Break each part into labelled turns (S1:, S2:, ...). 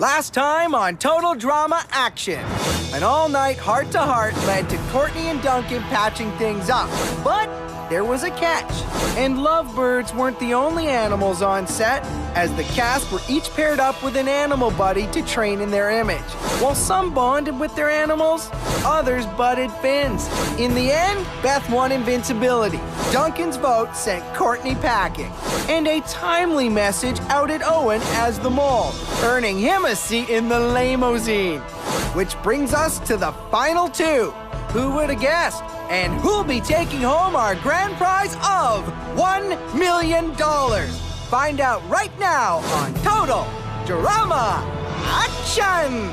S1: Last time on Total Drama Action. An all-night heart-to-heart led to Courtney and Duncan patching things up. But there was a catch. And lovebirds weren't the only animals on set, as the cast were each paired up with an animal buddy to train in their image. While some bonded with their animals, others butted fins. In the end, Beth won invincibility. Duncan's vote sent Courtney packing. And a timely message outed Owen as the mole, earning him a seat in the limousine. Which brings us to the final two. Who would have guessed? And who'll be taking home our grand prize of $1 million? Find out right now on Total Drama Action!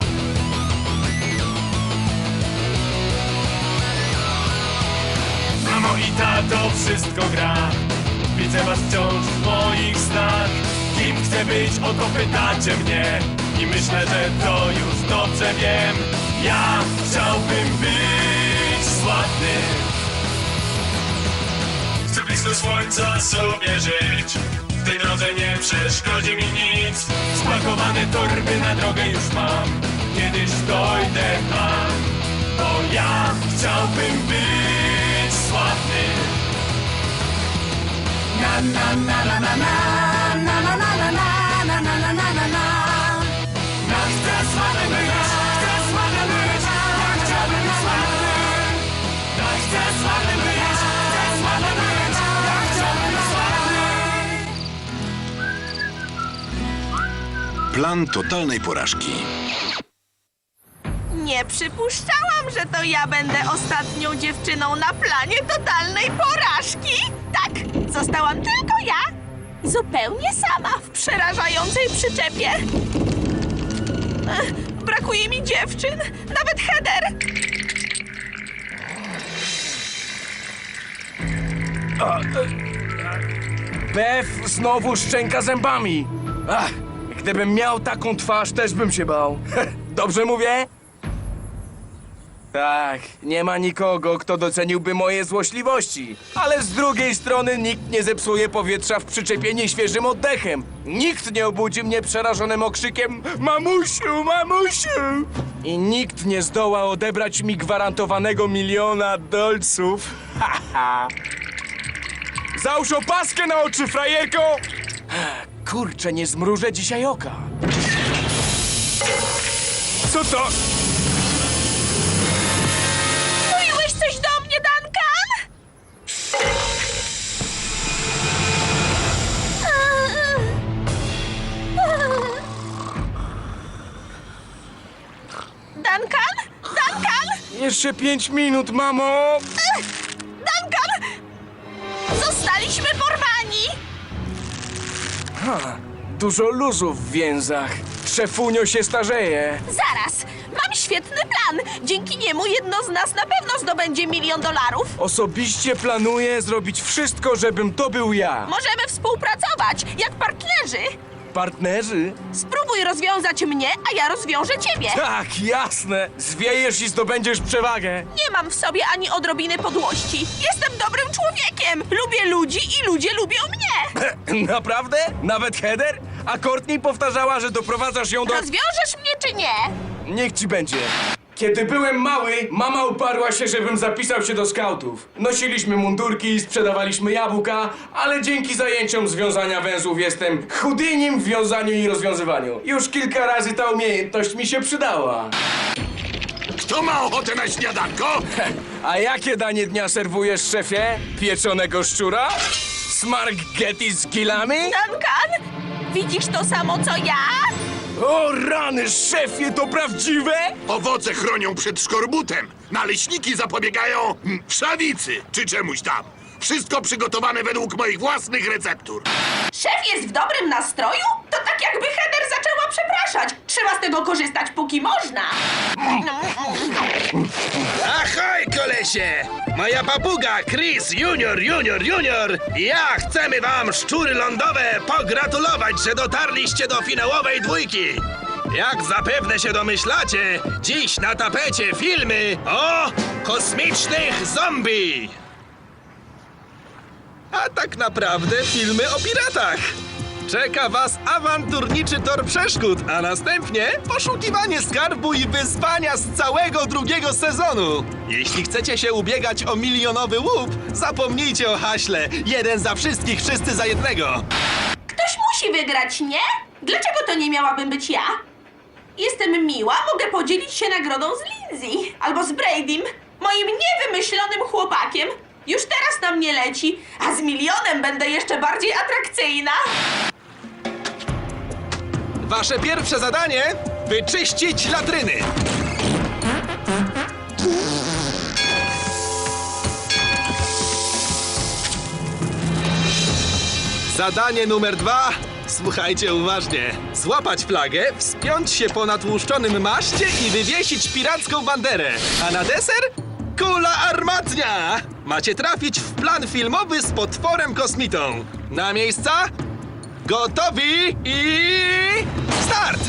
S2: Mamo i tato, wszystko gra. Widzę was wciąż w moich snach. Kim chcę być, o to pytacie mnie. I myślę, że to już dobrze wiem. Ja chciałbym być sławny. Chcę blisko słońca sobie żyć. W tej drodze nie przeszkodzi mi nic. Spakowane torby na drogę już mam. Kiedyś dojdę tam. Bo ja chciałbym być sławny. Na na na na na na na na na na na na na na na na. Ja chcę sławny być, chcę sławny być, ja chciałbym być sławny. Ja chcę sławny być, chcę sławny być, ja chciałbym być sławny.
S3: Plan totalnej porażki.
S4: Nie przypuszczałam, że to ja będę ostatnią dziewczyną na planie totalnej porażki. Tak, zostałam tylko ja. Zupełnie sama w przerażającej przyczepie. Brakuje mi dziewczyn, nawet Heather.
S5: Beth znowu szczęka zębami. Ach, gdybym miał taką twarz, też bym się bał. Dobrze mówię? Tak, nie ma nikogo, kto doceniłby moje złośliwości. Ale z drugiej strony nikt nie zepsuje powietrza w przyczepie nieświeżym oddechem. Nikt nie obudzi mnie przerażonym okrzykiem Mamusiu, mamusiu! I nikt nie zdoła odebrać mi gwarantowanego $1 000 000. Haha! Załóż opaskę na oczy, frajerko! Kurczę, nie zmrużę dzisiaj oka. Co to?
S4: Mówiłeś coś do mnie, Duncan? Duncan? Duncan?
S5: Jeszcze 5 minut, mamo!
S4: Duncan! Zostaliśmy porwani!
S5: Dużo luzów w więzach. Szefunio się starzeje.
S4: Zaraz! Mam świetny plan! Dzięki niemu jedno z nas na pewno zdobędzie $1 000 000.
S5: Osobiście planuję zrobić wszystko, żebym to był ja.
S4: Możemy współpracować, jak partnerzy.
S5: Partnerzy?
S4: Spróbuj rozwiązać mnie, a ja rozwiążę ciebie.
S5: Tak, jasne. Zwiejesz i zdobędziesz przewagę.
S4: Nie mam w sobie ani odrobiny podłości. Jestem dobrym człowiekiem. Lubię ludzi i ludzie lubią mnie.
S5: Naprawdę? Nawet Heather? A Courtney powtarzała, że doprowadzasz ją do...
S4: Rozwiążesz mnie czy nie?
S5: Niech ci będzie. Kiedy byłem mały, mama uparła się, żebym zapisał się do skautów. Nosiliśmy mundurki, sprzedawaliśmy jabłka, ale dzięki zajęciom związania węzłów jestem chudynim w wiązaniu i rozwiązywaniu. Już kilka razy ta umiejętność mi się przydała.
S3: Kto ma ochotę na śniadanko?
S5: A jakie danie dnia serwujesz, szefie? Pieczonego szczura? Smarghetti z gilami?
S4: Duncan, widzisz to samo co ja?
S5: O rany, szefie, to prawdziwe?
S3: Owoce chronią przed szkorbutem. Naleśniki zapobiegają wszawicy czy czemuś tam. Wszystko przygotowane według moich własnych receptur.
S4: Szef jest w dobrym nastroju? To tak jakby Heather zaczęła przepraszać. Trzeba z tego korzystać póki można.
S6: Ahoj, kolesie! Moja papuga Chris Junior i ja chcemy wam, szczury lądowe, pogratulować, że dotarliście do finałowej dwójki. Jak zapewne się domyślacie, dziś na tapecie filmy o kosmicznych zombie. A tak naprawdę filmy o piratach. Czeka was awanturniczy tor przeszkód, a następnie poszukiwanie skarbu i wyzwania z całego drugiego sezonu. Jeśli chcecie się ubiegać o milionowy łup, zapomnijcie o haśle. Jeden za wszystkich, wszyscy za jednego.
S4: Ktoś musi wygrać, nie? Dlaczego to nie miałabym być ja? Jestem miła, mogę podzielić się nagrodą z Lindsay albo z Bradym, moim niewymyślonym chłopakiem. Już teraz na mnie leci, a z milionem będę jeszcze bardziej atrakcyjna.
S6: Wasze pierwsze zadanie: wyczyścić latryny. Zadanie numer 2. Słuchajcie uważnie. Złapać flagę, wspiąć się po natłuszczonym maszcie i wywiesić piracką banderę. A na deser? Kula armatnia! Macie trafić w plan filmowy z potworem kosmitą. Na miejsca? Gotowi i... start!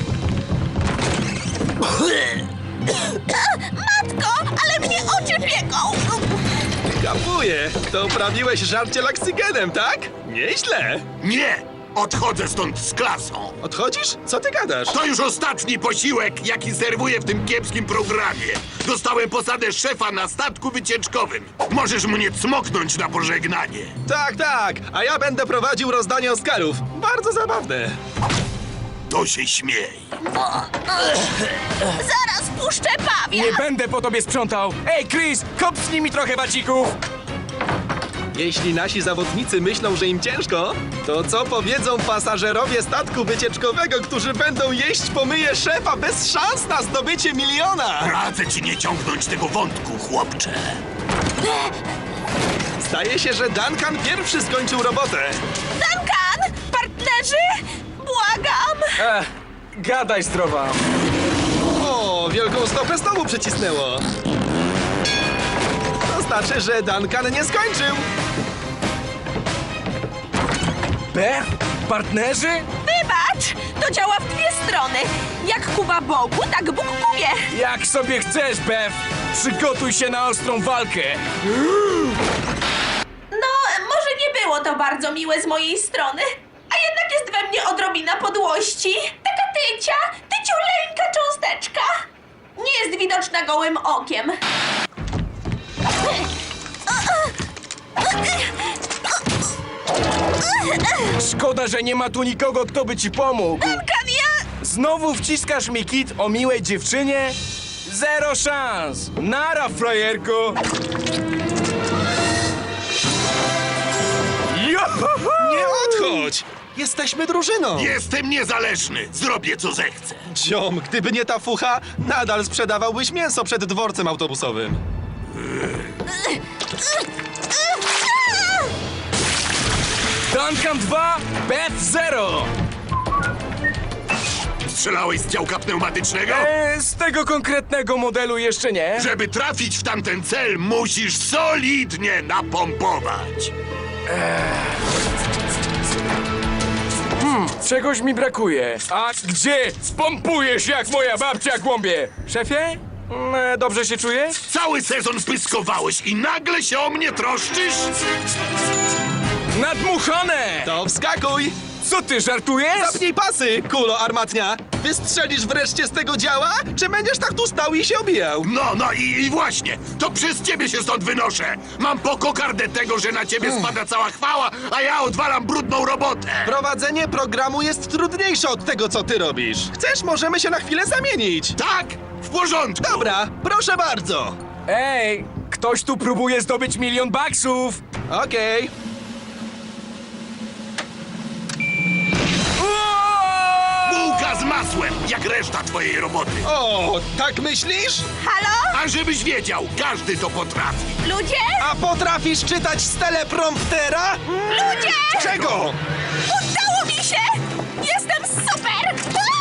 S4: Matko, ale mnie oczy pieką!
S6: Kapuję, to uprawiłeś żarcie laksygenem, tak? Nieźle.
S3: Nie! Odchodzę stąd z klasą.
S6: Odchodzisz? Co ty gadasz?
S3: To już ostatni posiłek, jaki serwuję w tym kiepskim programie. Dostałem posadę szefa na statku wycieczkowym. Możesz mnie cmoknąć na pożegnanie.
S6: Tak, tak, a ja będę prowadził rozdanie Oscarów. Bardzo zabawne.
S3: To się śmiej.
S4: Zaraz puszczę pawia!
S5: Nie będę po tobie sprzątał! Ej, Chris, kopnij mi trochę wacików!
S6: Jeśli nasi zawodnicy myślą, że im ciężko, to co powiedzą pasażerowie statku wycieczkowego, którzy będą jeść pomyje szefa bez szans na zdobycie miliona?
S3: Radzę ci nie ciągnąć tego wątku, chłopcze.
S6: Zdaje się, że Duncan pierwszy skończył robotę.
S4: Duncan! Partnerzy! Błagam!
S5: Gadaj zdrowa!
S6: O, wielką stopę znowu przycisnęło. To znaczy, że Duncan nie skończył.
S5: Beth? Partnerzy?
S4: Wybacz! To działa w dwie strony. Jak Kuba Bogu, tak Bóg Kubie.
S5: Jak sobie chcesz, Beth! Przygotuj się na ostrą walkę!
S4: No, może nie było to bardzo miłe z mojej strony, a jednak jest we mnie odrobina podłości. Taka tyciuleńka cząsteczka. Nie jest widoczna gołym okiem.
S5: Szkoda, że nie ma tu nikogo, kto by ci pomógł.
S4: Duncan, ja...
S5: Znowu wciskasz mi kit o miłej dziewczynie? Zero szans! Nara, frajerko! Johoho!
S6: Nie odchodź! Jesteśmy drużyną!
S3: Jestem niezależny. Zrobię, co zechcę.
S6: Ziom, gdyby nie ta fucha, nadal sprzedawałbyś mięso przed dworcem autobusowym.
S5: Duncan 2, Beth 0!
S3: Strzelałeś z działka pneumatycznego?
S5: Z tego konkretnego modelu jeszcze nie.
S3: Żeby trafić w tamten cel, musisz solidnie napompować.
S5: Czegoś mi brakuje. A gdzie? Spompujesz jak moja babcia głąbie! Szefie? Dobrze się czujesz?
S3: Cały sezon pyskowałeś i nagle się o mnie troszczysz?
S5: Nadmuchane!
S6: To wskakuj!
S5: Co ty, żartujesz?
S6: Zapnij pasy, kulo armatnia! Wystrzelisz wreszcie z tego działa, czy będziesz tak tu stał i się obijał?
S3: No i właśnie, to przez ciebie się stąd wynoszę. Mam po kokardę tego, że na ciebie spada cała chwała, a ja odwalam brudną robotę.
S6: Prowadzenie programu jest trudniejsze od tego, co ty robisz. Chcesz, możemy się na chwilę zamienić.
S3: Tak? W porządku.
S6: Dobra, proszę bardzo.
S5: Ej, ktoś tu próbuje zdobyć $1 000 000.
S6: Okej.
S3: Bułka z masłem, jak reszta twojej roboty.
S6: O, tak myślisz?
S4: Halo?
S3: A żebyś wiedział, każdy to potrafi.
S4: Ludzie?
S6: A potrafisz czytać z telepromptera?
S4: Ludzie!
S6: Czego?
S4: Udało mi się! Jestem super!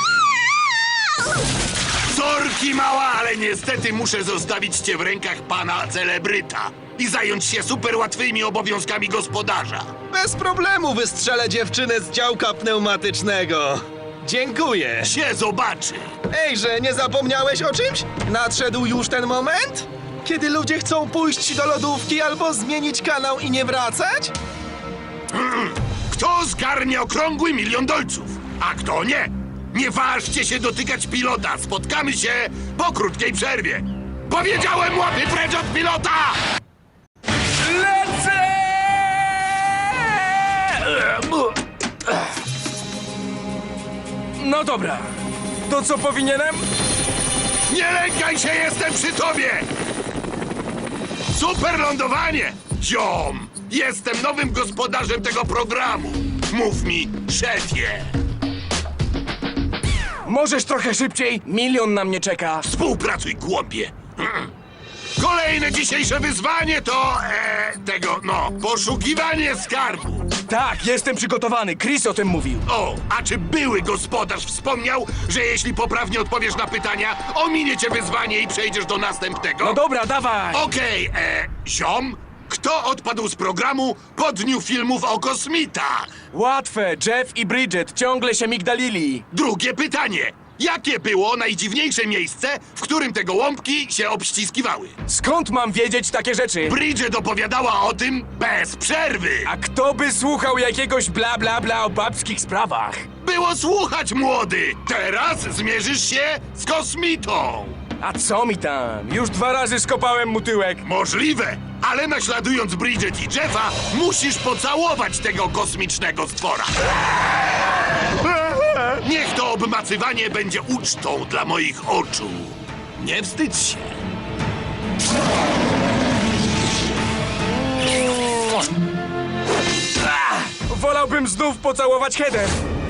S3: Sorki mała, ale niestety muszę zostawić cię w rękach pana celebryta i zająć się super łatwymi obowiązkami gospodarza.
S6: Bez problemu wystrzelę dziewczynę z działka pneumatycznego. Dziękuję.
S3: Się zobaczy.
S6: Ejże, nie zapomniałeś o czymś? Nadszedł już ten moment? Kiedy ludzie chcą pójść do lodówki albo zmienić kanał i nie wracać?
S3: Kto zgarnie okrągły $1 000 000, a kto nie? Nie ważcie się dotykać pilota. Spotkamy się po krótkiej przerwie. Powiedziałem, łapy precz od pilota!
S5: Lecę! No dobra. To co powinienem?
S3: Nie lękaj się, jestem przy tobie! Super lądowanie! Ziom! Jestem nowym gospodarzem tego programu. Mów mi, szefie.
S5: Możesz trochę szybciej? 1 000 000 na mnie czeka.
S3: Współpracuj, głąbie. Kolejne dzisiejsze wyzwanie to... poszukiwanie skarbu.
S5: Tak, jestem przygotowany. Chris o tym mówił.
S3: O, a czy były gospodarz wspomniał, że jeśli poprawnie odpowiesz na pytania, ominie cię wyzwanie i przejdziesz do następnego?
S5: No dobra, dawaj.
S3: Okej, ziom, kto odpadł z programu po dniu filmów o kosmitach?
S5: Łatwe. Jeff i Bridget ciągle się migdalili.
S3: Drugie pytanie. Jakie było najdziwniejsze miejsce, w którym te gołąbki się obściskiwały?
S5: Skąd mam wiedzieć takie rzeczy?
S3: Bridget opowiadała o tym bez przerwy.
S5: A kto by słuchał jakiegoś bla bla bla o babskich sprawach?
S3: Było słuchać, młody. Teraz zmierzysz się z kosmitą.
S5: A co mi tam? Już 2 razy skopałem mu tyłek.
S3: Możliwe, ale naśladując Bridget i Jeffa, musisz pocałować tego kosmicznego stwora. Niech to obmacywanie będzie ucztą dla moich oczu. Nie wstydź się.
S5: Wolałbym znów pocałować Heather.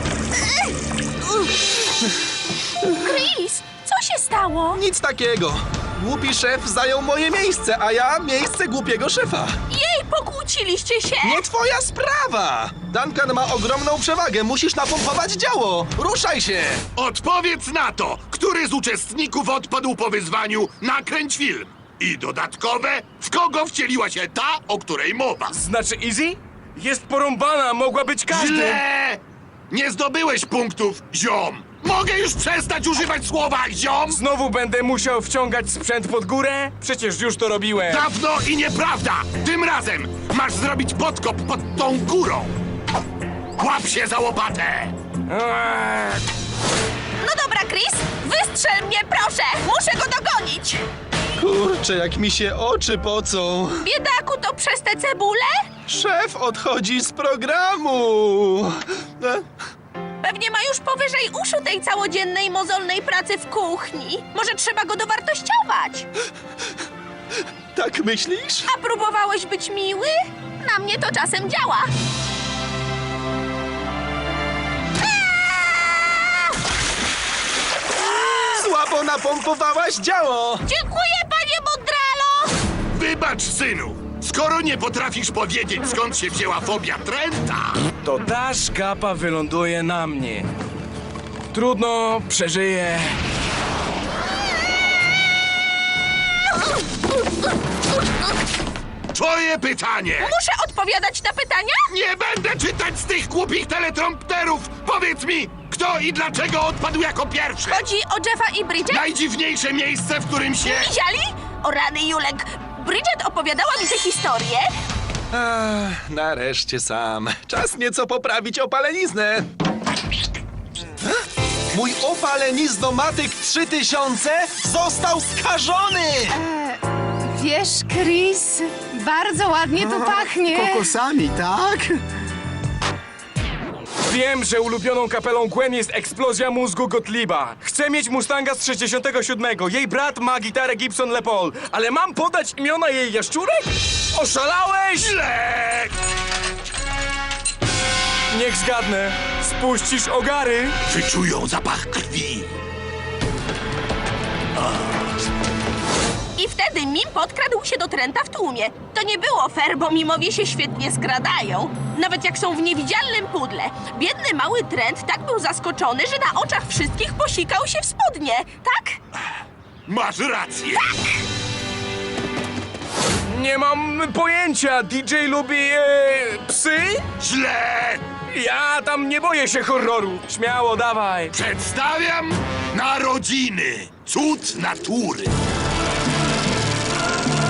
S4: Chris, co się stało?
S6: Nic takiego. Głupi szef zajął moje miejsce, a ja miejsce głupiego szefa.
S4: Jej, pokłóciliście się?
S6: Nie twoja sprawa! Duncan ma ogromną przewagę, musisz napompować działo! Ruszaj się!
S3: Odpowiedz na to, który z uczestników odpadł po wyzwaniu Nakręć film. I dodatkowe, w kogo wcieliła się ta, o której mowa.
S5: Znaczy Easy? Jest porąbana, mogła być każdy.
S3: Źle! Nie zdobyłeś punktów, ziom. Mogę już przestać używać słowa ziom?
S5: Znowu będę musiał wciągać sprzęt pod górę? Przecież już to robiłem.
S3: Dawno i nieprawda! Tym razem masz zrobić podkop pod tą górą. Łap się za łopatę!
S5: Eee,
S4: No dobra, Chris, wystrzel mnie, proszę! Muszę go dogonić!
S6: Kurczę, jak mi się oczy pocą.
S4: Biedaku, to przez te cebule?
S6: Szef odchodzi z programu.
S4: Pewnie ma już powyżej uszu tej całodziennej, mozolnej pracy w kuchni. Może trzeba go dowartościować?
S6: Tak myślisz?
S4: A próbowałeś być miły? Na mnie to czasem działa.
S6: Słabo napompowałaś działo!
S4: Dziękuję, panie Mondralo!
S3: Wybacz, synu! Skoro nie potrafisz powiedzieć, skąd się wzięła fobia Trenta,
S5: to ta szkapa wyląduje na mnie. Trudno, przeżyję.
S3: twoje pytanie!
S4: Muszę odpowiadać na pytania?
S3: Nie będę czytać z tych głupich teletrompterów! Powiedz mi, kto i dlaczego odpadł jako pierwszy?
S4: Chodzi o Jeffa i Bridget?
S3: Najdziwniejsze miejsce, w którym się...
S4: Widzieli? O rany, Julek. Bridget opowiadała mi tę historię.
S6: Nareszcie sam. Czas nieco poprawić opaleniznę. Mój opaleniznomatyk 3000 został skażony!
S7: Wiesz, Chris, bardzo ładnie tu pachnie.
S1: Kokosami, tak?
S5: Wiem, że ulubioną kapelą Gwen jest eksplozja mózgu Gottlieba. Chcę mieć Mustanga z 67. Jej brat ma gitarę Gibson Les Paul. Ale mam podać imiona jej jaszczurek? Oszalałeś?
S3: Źle!
S5: Niech zgadnę. Spuścisz ogary?
S3: Wyczują zapach krwi.
S4: I wtedy Mim podkradł się do Trenta w tłumie. To nie było fair, bo Mimowie się świetnie skradają. Nawet jak są w niewidzialnym pudle. Biedny mały Trent tak był zaskoczony, że na oczach wszystkich posikał się w spodnie. Tak?
S3: Masz rację.
S5: Nie mam pojęcia. DJ lubi psy?
S3: Źle!
S5: Ja tam nie boję się horroru. Śmiało, dawaj.
S3: Przedstawiam narodziny. Cud natury.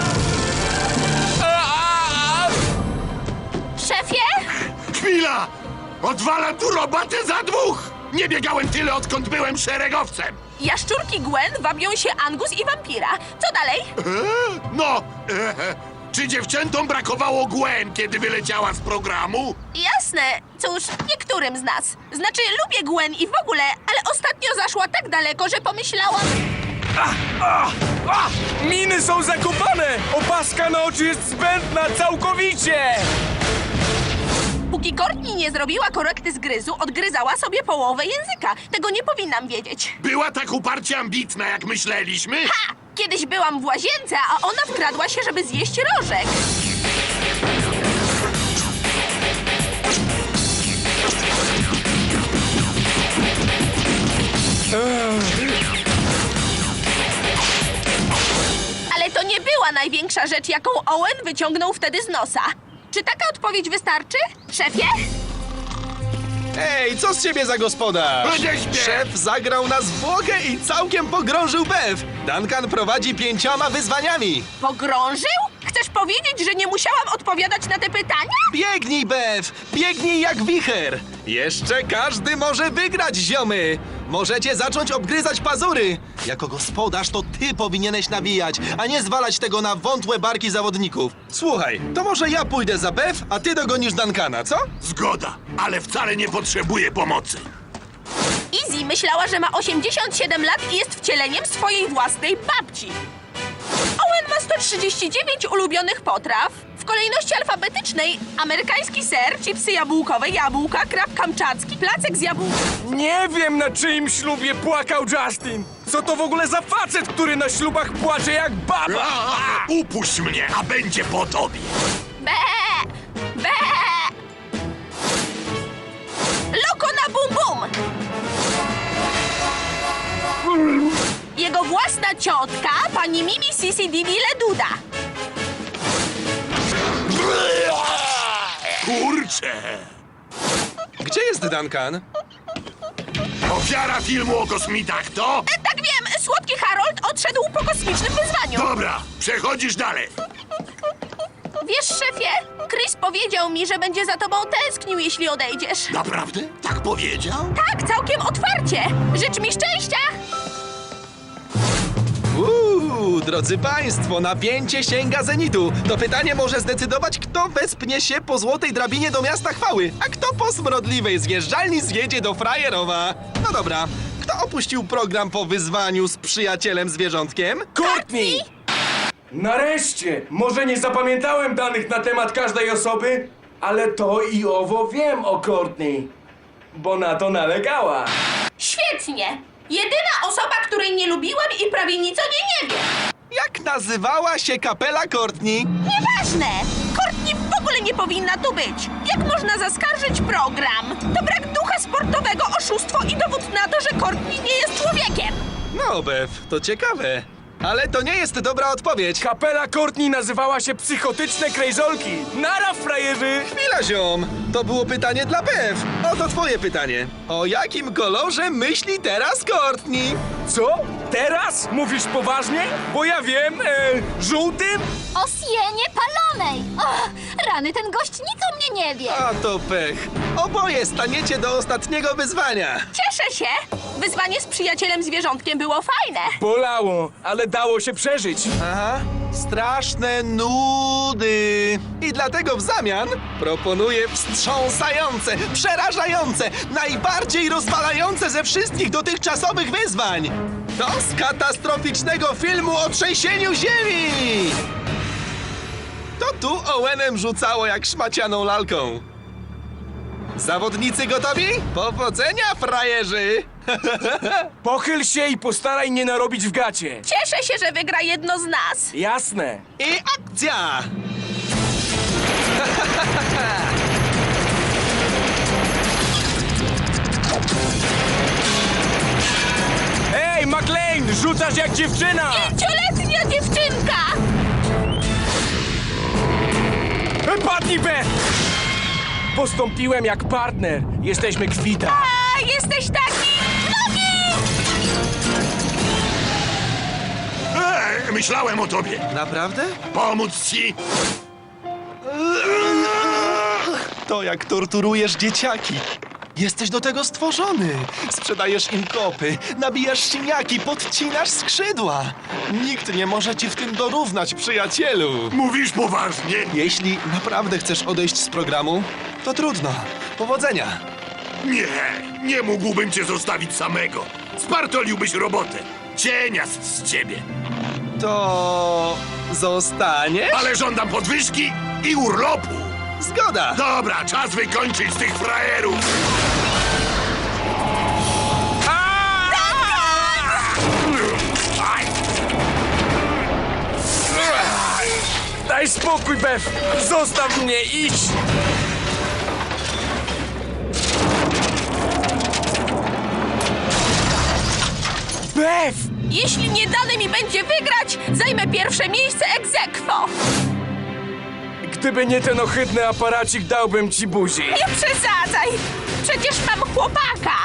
S4: Szefie?
S3: Chwila! Odwalam tu robotę za dwóch! Nie biegałem tyle, odkąd byłem szeregowcem!
S4: Jaszczurki Gwen wabią się Angus i wampira. Co dalej?
S3: Czy dziewczętom brakowało Gwen, kiedy wyleciała z programu?
S4: Jasne. Cóż, niektórym z nas. Znaczy, lubię Gwen i w ogóle, ale ostatnio zaszła tak daleko, że pomyślałam...
S5: Miny są zakopane! Opaska na oczy jest zbędna całkowicie!
S4: Póki Courtney nie zrobiła korekty zgryzu, odgryzała sobie połowę języka. Tego nie powinnam wiedzieć.
S3: Była tak uparcie ambitna, jak myśleliśmy?
S4: Ha! Kiedyś byłam w łazience, a ona wkradła się, żeby zjeść rożek. Ale to nie była największa rzecz, jaką Owen wyciągnął wtedy z nosa. Czy taka odpowiedź wystarczy, szefie?
S6: Ej, co z ciebie za gospodarz?
S3: Odeśpię!
S6: Szef zagrał na zwłokę i całkiem pogrążył Bev. Duncan prowadzi 5 wyzwaniami.
S4: Pogrążył? Chcesz powiedzieć, że nie musiałam odpowiadać na te pytania?
S6: Biegnij, Bev! Biegnij jak wicher! Jeszcze każdy może wygrać, ziomy! Możecie zacząć obgryzać pazury! Jako gospodarz to ty powinieneś nawijać, a nie zwalać tego na wątłe barki zawodników. Słuchaj, to może ja pójdę za Bev, a ty dogonisz Duncana, co?
S3: Zgoda, ale wcale nie potrzebuję pomocy.
S4: Izzy myślała, że ma 87 lat i jest wcieleniem swojej własnej babci. Owen ma 139 ulubionych potraw. W kolejności alfabetycznej amerykański ser, chipsy jabłkowe, jabłka, krab kamczacki, placek z jabłka.
S5: Nie wiem, na czyim ślubie płakał Justin. Co to w ogóle za facet, który na ślubach płacze jak baba?
S3: Upuść mnie, a będzie po tobie.
S4: Be! Be! Loko na bum bum! Jego własna ciotka, pani Mimi Sisi Divi Leduda.
S3: Kurczę!
S6: Gdzie jest Duncan?
S3: Ofiara filmu o kosmitach to?
S4: Tak wiem, słodki Harold odszedł po kosmicznym wyzwaniu.
S3: Dobra, przechodzisz dalej.
S4: Wiesz, szefie, Chris powiedział mi, że będzie za tobą tęsknił, jeśli odejdziesz.
S3: Naprawdę? Tak powiedział?
S4: Tak, całkiem otwarcie. Życz mi szczęścia.
S6: Drodzy państwo, napięcie sięga zenitu. To pytanie może zdecydować, kto wespnie się po złotej drabinie do miasta chwały, a kto po smrodliwej zjeżdżalni zjedzie do Frajerowa. No dobra, kto opuścił program po wyzwaniu z przyjacielem zwierzątkiem?
S5: Courtney! Nareszcie! Może nie zapamiętałem danych na temat każdej osoby, ale to i owo wiem o Courtney, bo na to nalegała.
S4: Świetnie. Jedyna osoba, której nie lubiłem i prawie nic o niej nie wiem.
S6: Jak nazywała się kapela Courtney?
S4: Nieważne! Courtney w ogóle nie powinna tu być! Jak można zaskarżyć program? To brak ducha sportowego, oszustwo i dowód na to, że Courtney nie jest człowiekiem!
S6: No, Bev, to ciekawe. Ale to nie jest dobra odpowiedź.
S5: Kapela Courtney nazywała się Psychotyczne Krejzolki. Nara, frajerzy!
S6: Chwila, ziom! To było pytanie dla Bev. Oto twoje pytanie. O jakim kolorze myśli teraz Courtney?
S5: Co? Teraz? Mówisz poważnie? Bo ja wiem, żółtym?
S8: O sienie palonej! Och, rany, ten gość nic o mnie nie wie!
S6: A to pech. Oboje staniecie do ostatniego wyzwania.
S4: Cieszę się! Wyzwanie z przyjacielem zwierzątkiem było fajne!
S5: Bolało, ale dało się przeżyć.
S6: Aha, straszne nudy. I dlatego w zamian proponuję wstrząsające, przerażające, najbardziej rozwalające ze wszystkich dotychczasowych wyzwań. To z katastroficznego filmu o trzęsieniu ziemi. To tu Owenem rzucało jak szmacianą lalką. Zawodnicy gotowi? Powodzenia, frajerzy!
S5: Pochyl się i postaraj nie narobić w gacie.
S4: Cieszę się, że wygra jedno z nas!
S5: Jasne.
S6: I akcja!
S5: Ej, McLean, rzucasz jak dziewczyna!
S4: 5-letnia dziewczynka!
S5: Padnij, Beth! Postąpiłem jak partner. Jesteśmy kwita.
S4: A, jesteś taki... Nogi!
S3: Myślałem o tobie.
S6: Naprawdę?
S3: Pomóc ci?
S9: To jak torturujesz dzieciaki. Jesteś do tego stworzony. Sprzedajesz im kopy, nabijasz siniaki, podcinasz skrzydła. Nikt nie może ci w tym dorównać, przyjacielu.
S3: Mówisz poważnie?
S9: Jeśli naprawdę chcesz odejść z programu, to trudno. Powodzenia.
S3: Nie mógłbym cię zostawić samego. Spartoliłbyś robotę. Cieniast z ciebie.
S9: To zostaniesz?
S3: Ale żądam podwyżki i urlopu.
S9: Zgoda.
S3: Dobra, czas wykończyć tych frajerów. Aj!
S5: Daj spokój, Bev! Zostaw mnie, idź! Bev!
S4: Jeśli nie dane mi będzie wygrać, zajmę pierwsze miejsce ex aequo.
S5: Gdyby nie ten ohydny aparacik, dałbym ci buzi.
S4: Nie przesadzaj! Przecież mam chłopaka!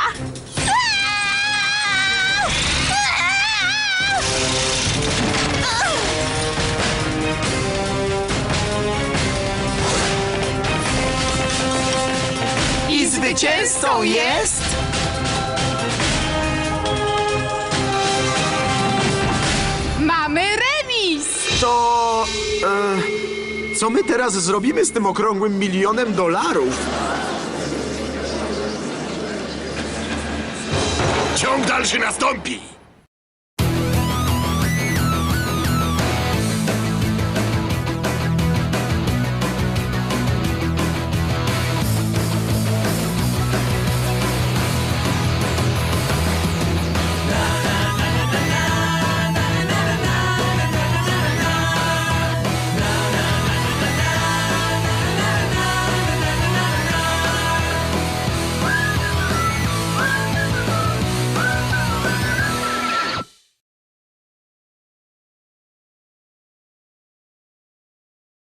S1: I zwycięzcą jest...
S7: Mamy remis!
S10: To... co my teraz zrobimy z tym okrągłym $1 000 000?
S3: Ciąg dalszy nastąpi.